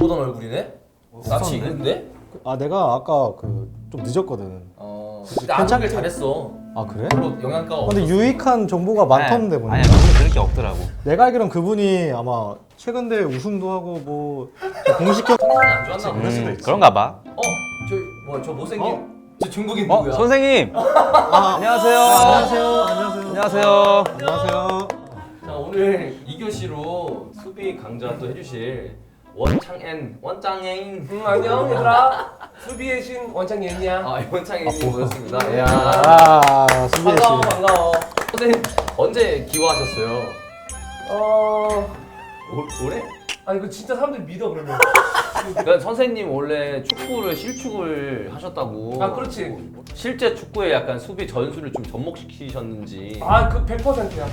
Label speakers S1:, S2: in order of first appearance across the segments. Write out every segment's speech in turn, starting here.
S1: 보던 얼굴이네? 낯이 익은데?
S2: 아 내가 아까 좀 늦었거든.
S1: 근데 안 하길 잘했어.
S2: 아 그래?
S1: 별로 영양가가
S2: 근데 유익한 정보가 많던데 보니까.
S3: 아니야 그분 그럴 게 없더라고.
S2: 내가 알기론 그분이 아마 최근 대회 우승도 하고 뭐 공식 경
S1: 컨디션이 안 좋았나 보네.
S2: 그럴 수도 있지.
S3: 그런가 봐.
S1: 저 못생긴 저 중국인 누구야?
S3: 선생님. 안녕하세요. 안녕하세요.
S2: 안녕하세요.
S1: 자, 오늘 2교시로 수비 강좌 또 해주실 원창엔
S4: 안녕 얘들아. 수비의 신 원창예은이야.
S1: 원창엔님 모셨습니다. 이야.
S2: 수비의 씨.
S4: 반가워.
S1: 선생님 언제 기화하셨어요? 올해?
S4: 아 이거 진짜 사람들이 믿어 그러면.
S1: 그러니까 선생님 원래 축구를 실축을 하셨다고.
S4: 아 그렇지.
S1: 실제 축구에 약간 수비 전술을 좀 접목시키셨는지.
S4: 아 그 100%야.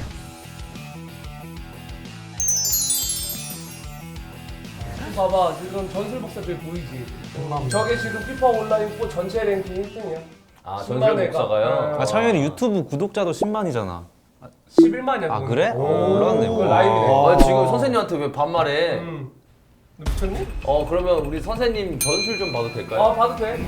S4: 봐봐 지금 전술 복사 저기 보이지? 저게 지금 피파 온라인 4 전체 랭킹 1등이야.
S1: 전술 복사가요?
S3: 아 창현이 유튜브 구독자도 10만이잖아.
S4: 11만이야.
S3: 아 그래?
S2: 오.
S3: 몰랐네.
S4: 그거 라이브네.
S1: 지금 선생님한테 왜 반말해?
S4: 너 미쳤니?
S1: 그러면 우리 선생님 전술 좀 봐도 될까요?
S4: 아 봐도 돼.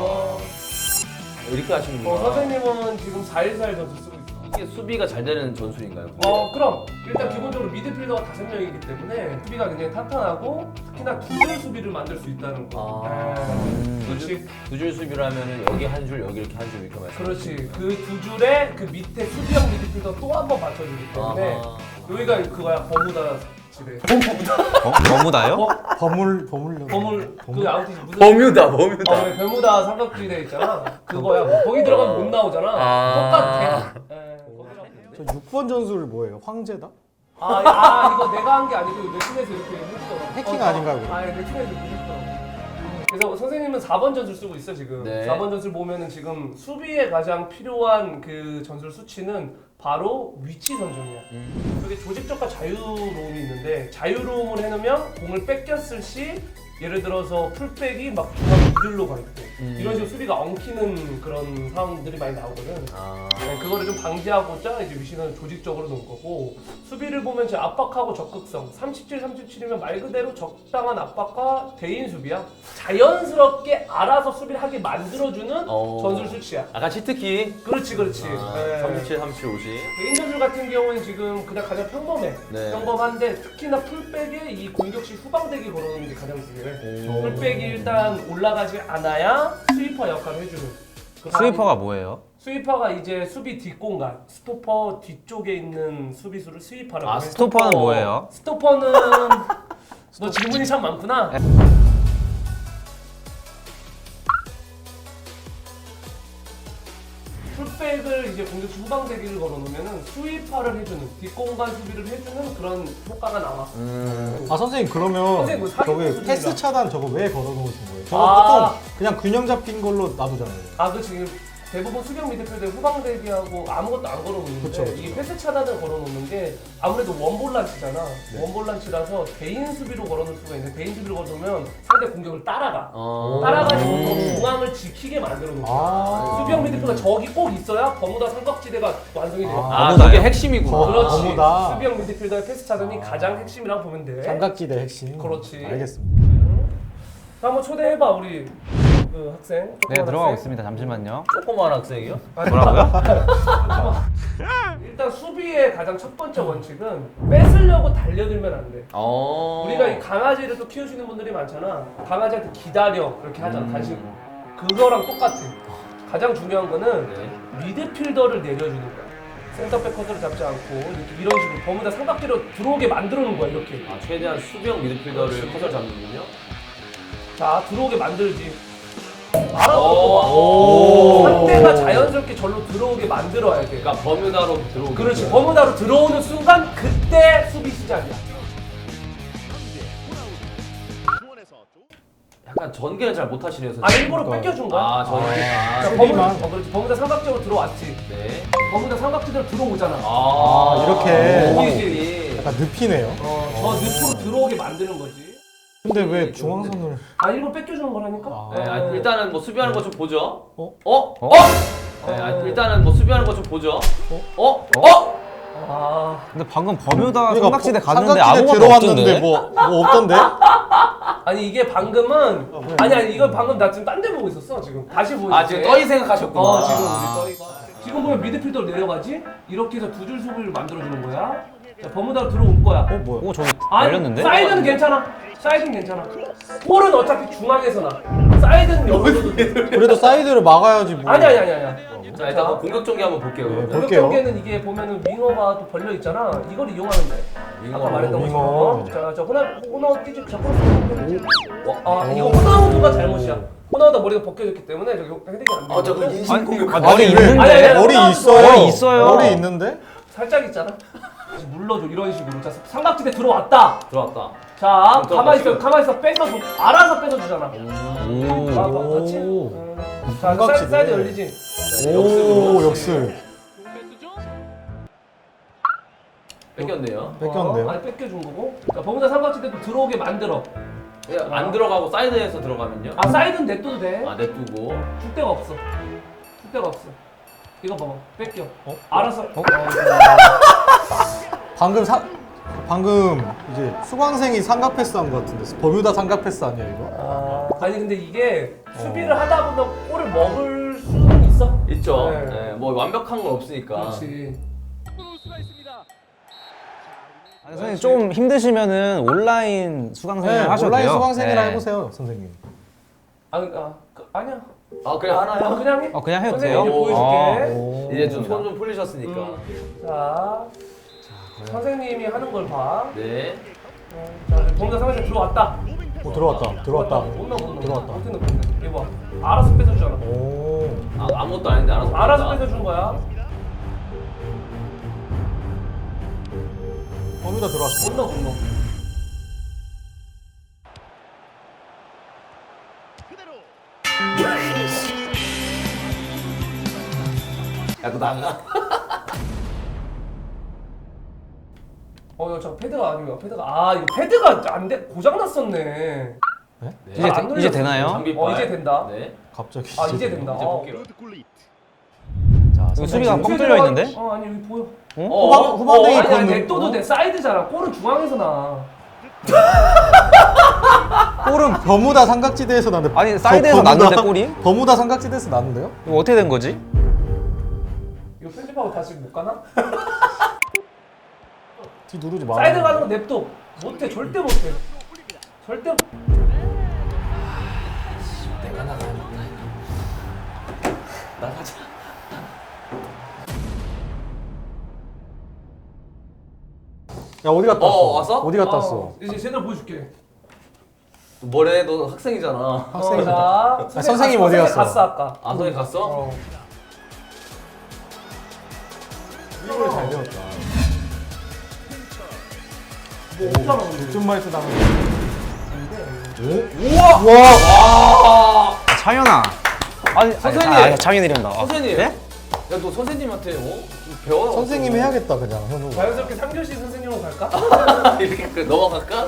S1: 이렇게 하시는구나.
S4: 선생님은 지금 414 전술 쓰고 있어.
S1: 이게 수비가 잘 되는 전술인가요?
S4: 그럼 일단 기본적으로 미드필더가 5명이기 때문에 수비가 굉장히 탄탄하고 특히나 두줄 수비를 만들 수 있다는 거. 그렇지.
S1: 두줄 수비를 하면은 여기 한 줄, 여기 이렇게 한 줄 이렇게 말씀.
S4: 그렇지. 그 두 줄에 그 밑에 수비형 미드필더 또 한 번 받쳐주기 때문에 여기가 그거야 버무다 집에.
S3: 너무나요?
S2: 버물려.
S4: 그 아무튼 무슨
S1: 버뮤다.
S4: 베무다 삼각지대 있잖아. 그거야. 거기 들어가면 못 나오잖아. 똑같아.
S2: 저 6번 전술 뭐예요? 황제다?
S4: 이거 내가 한 게 아니고 웹툰에서 이렇게 해주더라고.
S2: 해킹 아닌가요, 그거?
S4: 웹툰에서 이렇게 해주더라고. 그래서 선생님은 4번 전술 쓰고 있어 지금.
S1: 네.
S4: 4번 전술 보면은 지금 수비에 가장 필요한 그 전술 수치는 바로 위치 선정이야. 여기 조직적과 자유로움이 있는데 자유로움을 해놓으면 공을 뺏겼을 시 예를 들어서 풀백이 막 중앙 미들로 가 있고 이런 식으로 수비가 엉키는 그런 상황들이 많이 나오거든. 네, 그거를 좀 방지하고자 이제 위치는 조직적으로 놓은 거고 수비를 보면 이제 압박하고 적극성 37, 37이면 말 그대로 적당한 압박과 대인 수비야. 자연스럽게 알아서 수비를 하게 만들어주는 전술 수치야.
S1: 약간 치트키.
S4: 그렇지. 네.
S1: 37, 37, 50.
S4: 개인 전술 같은 경우는 지금 그냥 가장 평범해.
S1: 네.
S4: 평범한데 특히나 풀백에 이 공격시 후방대기 걸어놓는 게 가장 중요해. 풀백이 일단 올라가지 않아야 스위퍼 역할을 해주는. 그
S3: 스위퍼가 뭐예요?
S4: 스위퍼가 이제 수비 뒷공간, 스토퍼 뒤쪽에 있는 수비수를 스위퍼라고 해.
S3: 스토퍼는 뭐예요?
S4: 스토퍼는 너 질문이 참 많구나. 풀백을 이제 공격수 후방대기를 걸어놓으면은 스위퍼를 해주는 뒷공간 수비를 해주는 그런 효과가 나와.
S2: 아 선생님 그러면
S4: 선생님, 뭐 사기
S2: 저기
S4: 선수들이랑.
S2: 패스 차단 저거 왜 걸어놓으신 거예요? 저거 보통 그냥 균형 잡힌 걸로 놔두잖아요.
S4: 그치. 대부분 수비형 미드필더에 후방대기하고 아무것도 안 걸어놓는데
S2: 그쵸.
S4: 이게 패스 차단을 걸어놓는 게 아무래도 원볼란치잖아. 원볼란치라서 개인 수비로 걸어놓을 수가 있는데 개인 수비로 걸어놓으면 상대 공격을 따라가. 따라가지고 더 중앙을 지키게 만들어 놓은 거야. 수비형 미드필더 저기 꼭 있어야 버무다 삼각지대가 완성이 돼요.
S1: 그게 핵심이구나.
S4: 그렇지.
S2: 버무다.
S4: 수비형 미드필더의 패스 차단이 가장 핵심이라고 보면 돼.
S2: 삼각지대 핵심.
S4: 그렇지.
S2: 알겠습니다.
S4: 한번 초대해봐 우리 그 학생.
S3: 네
S4: 조그만
S3: 들어가고
S4: 학생.
S3: 있습니다. 잠시만요.
S1: 조그만 학생이요?
S3: 뭐라고요?
S4: 일단 수비의 가장 첫 번째 원칙은 뺏으려고 달려들면 안 돼. 우리가 이 강아지를 또 키우시는 분들이 많잖아. 강아지한테 기다려 그렇게 하잖아. 간식. 그거랑 똑같아. 가장 중요한 거는 미드필더를 내려주는 거야. 센터백 커트를 잡지 않고 이렇게 이런 식으로 버무다 삼각대로 들어오게 만들어 놓은 거야 이렇게.
S1: 최대한 수비형 미드필더를 커서 잡는군요.
S4: 자 들어오게 만들지. 알아보고 상대가 자연스럽게 절로 들어오게 만들어야 돼.
S1: 그러니까 버뮤다로 들어오게.
S4: 그렇지. 버무다로 들어오는 순간 그때 수비 시작이야.
S1: 약간 전개를 잘 못하시네요, 선생님.
S4: 일부러 뺏겨준 거야.
S1: 전개.
S4: 그러니까 그렇지. 버무다 삼각지대로 들어왔지.
S1: 네.
S4: 버무다 삼각지대로 들어오잖아.
S2: 이렇게
S4: 보이지?
S2: 약간 늪이네요.
S4: 저 늪으로 들어오게 만드는 거지.
S2: 근데 왜 중앙선을?
S4: 일부러 뺏겨주는 거라니까.
S1: 일단은 뭐 수비하는 거 좀 보죠.
S3: 네,
S1: 일단은 뭐 수비하는 거 좀 보죠.
S3: 근데 방금 버뮤다
S2: 그러니까
S3: 삼각지대 갔는데
S2: 삼각지대
S3: 아무것도
S2: 들어왔는데
S3: 없던데?
S2: 뭐 없던데?
S4: 아니 이게 방금은
S2: 뭐야?
S4: 아니 이거 방금 나 지금 딴 데 보고 있었어 지금 다시 보여줄게.
S1: 아 지금 떠이 생각하셨구나.
S4: 지금 우리 떠이가 지금 보면 미드필더로 내려가지 이렇게 해서 두 줄 수비를 만들어주는 거야. 자 버무다로 들어올 거야.
S2: 뭐야?
S3: 오 저기
S4: 아니
S3: 열렸는데?
S4: 사이드는 괜찮아. 사이드는 괜찮아. 볼은 어차피 중앙에서 나. 사이드는 여기서도 돼.
S2: 그래도 사이드를 막아야지 뭐.
S4: 아니야.
S1: 자 일단 한번 공격 전개 한번 볼게요.
S2: 네,
S1: 그러면.
S2: 볼-
S4: 공격
S2: 볼게요.
S4: 경기에는 이게 보면은 윙어가 또 벌려 있잖아. 이걸 이용하면 돼.
S1: 윙어,
S4: 아까 말했던
S2: 윙어.
S4: 것처럼. 자 호나우 뛰지. 자 크로스. 이거 호나우드가 잘못이야. 호나우드가 머리가 벗겨졌기 때문에 저기 헤딩이 안 돼.
S1: 아 저거 인신 공격.
S3: 머리
S2: 왜?
S3: 있는데?
S4: 아니,
S2: 머리
S4: 아니,
S2: 있어요.
S3: 머리 있어요.
S2: 머리 있는데?
S4: 살짝 있잖아. 다시 물러줘 이런 식으로. 자 삼각지대 들어왔다.
S1: 들어왔다.
S4: 자
S1: 들어왔다,
S4: 가만히 있어
S1: 지금.
S4: 가만히 있어 뺏어줘. 알아서 뺏어주잖아. 같이. 자
S2: 삼각지대.
S4: 사이드 열리지.
S2: 오, 역습.
S1: 뺏겼네요.
S2: 뺏겼는데요?
S4: 아니 뺏겨준 거고. 자 버무다 삼각지대도 들어오게 만들어.
S1: 그냥 안 들어가고 사이드에서 들어가면요.
S4: 아 사이드는 냅둬도 돼.
S1: 아 냅두고.
S4: 줄 데가 없어. 줄 데가 없어. 이거 봐봐. 뺏겨.
S2: 어?
S4: 알아서.
S2: 방금 이제 수강생이 삼각 패스한 것 같은데 버뮤다 삼각 패스 아니야 이거?
S4: 아니 근데 이게 수비를 하다 보면 골을 먹을 수는 있어.
S1: 있죠.
S4: 네.
S1: 네. 뭐 완벽한 건 없으니까.
S4: 그렇지.
S3: 아니, 선생님 좀 힘드시면은 온라인 수강생을 하셔도
S2: 온라인
S3: 돼요.
S2: 수강생이라
S3: 네.
S2: 해보세요 선생님.
S4: 아니야.
S1: 아 그래 하나요?
S4: 그냥 해.
S3: 그냥 해도
S4: 선생님
S3: 돼요?
S4: 이제 보여줄게.
S2: 오.
S1: 이제 좀 손 좀 풀리셨으니까.
S4: 자, 선생님이 하는 걸 봐.
S1: 네.
S4: 자, 범죄 상황에 들어왔다.
S2: 오, 들어왔다.
S4: 못 넣어.
S2: 들어왔다.
S4: 어떻게 넣어? 이거 봐. 알아서 뺏어주잖아.
S2: 오.
S1: 아무것도 아닌데 알아서.
S4: 알아서
S1: 뺏긴다.
S4: 뺏어준 거야.
S2: 버뮤다 들어왔어.
S4: 못 넣어.
S1: 야, 너 나가.
S4: 이거 패드가 아니야. 이거 패드가 안 돼. 고장 났었네.
S1: 네.
S3: 이제 되나요?
S1: 장비빨.
S4: 이제 된다.
S1: 네.
S2: 갑자기.
S4: 이제 된다.
S1: 이제 볼게요.
S2: 자,
S3: 여기 수비가
S2: 선생님.
S3: 뻥 뚫려 있는데?
S4: 아니 여기 보여.
S2: 후방댕이
S4: 아니
S2: 걷는
S4: 냅둬도
S2: 거?
S4: 돼. 사이드잖아. 골은 중앙에서 나.
S2: 골은 버무다 삼각지대에서 났는데.
S3: 아니, 사이드에서 났는데, 골이?
S2: 버무다 삼각지대에서 났는데요?
S3: 이거 어떻게 된 거지?
S4: 이거 편집하고 다시 못 가나?
S2: 뒤 누르지 마.
S4: 사이드 가는 거 냅둬. 못해. 절대 못해. 절대.
S1: 내가 나가야겠다. 나가자.
S2: 야 어디 갔다 왔어?
S1: 왔어?
S2: 어디 갔다 왔어?
S4: 이제 제대로 보여줄게.
S1: 뭐래? 너 학생이잖아.
S2: 학생이다.
S4: 자,
S2: 선생님 어디 갔어?
S4: 갔어 아까.
S1: 아, 선생님 갔어?
S2: 이걸 잘 배웠다.
S4: 뭐 없잖아. 근데.
S2: 득점 말투 당한
S1: 우와! 와!
S3: 창현아. 아니,
S1: 선생님!
S3: 창현이 이런다.
S1: 선생님!
S3: 네?
S1: 야, 너 선생님한테 좀 배워.
S2: 선생님 해야겠다 그냥 현우.
S4: 자연스럽게 3교시 선생님으로 갈까?
S1: 이렇게 넘어갈까?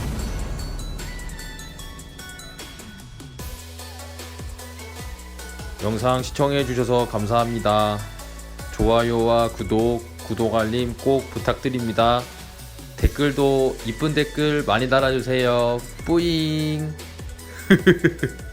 S5: 영상 시청해주셔서 감사합니다. 좋아요와 구독 알림 꼭 부탁드립니다. 댓글도 이쁜 댓글 많이 달아주세요. 뿌잉!